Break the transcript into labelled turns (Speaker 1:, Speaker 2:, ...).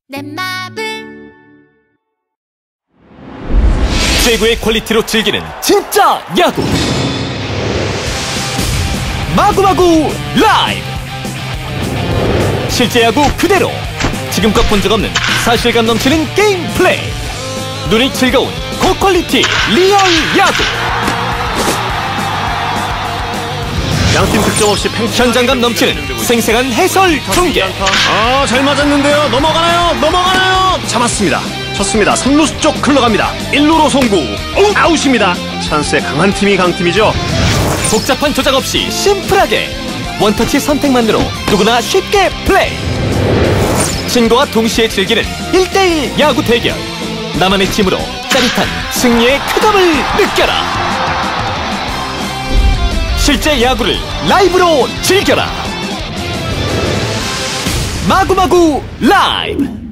Speaker 1: 내 맘을
Speaker 2: 최고의 퀄리티로 즐기는 진짜 야구 마구마구 라이브. 실제 야구 그대로 지금껏 본 적 없는 사실감 넘치는 게임 플레이. 눈이 즐거운 고퀄리티 리얼 야구.
Speaker 3: 양팀 득점 없이
Speaker 2: 현장감 넘치는 생생한 해설 중계.
Speaker 3: 잘 맞았는데요. 넘어가나요? 잡았습니다. 쳤습니다. 3루수 쪽 흘러갑니다. 1루로 송구. 아웃입니다. 찬스에 강한 팀이 강팀이죠.
Speaker 2: 복잡한 조작 없이 심플하게 원터치 선택만으로 누구나 쉽게 플레이. 친구와 동시에 즐기는 1대1 야구 대결. 나만의 팀으로 짜릿한 승리의 쾌감을 느껴라. 실제 야구를 라이브로 즐겨라. 마구마구 라이브.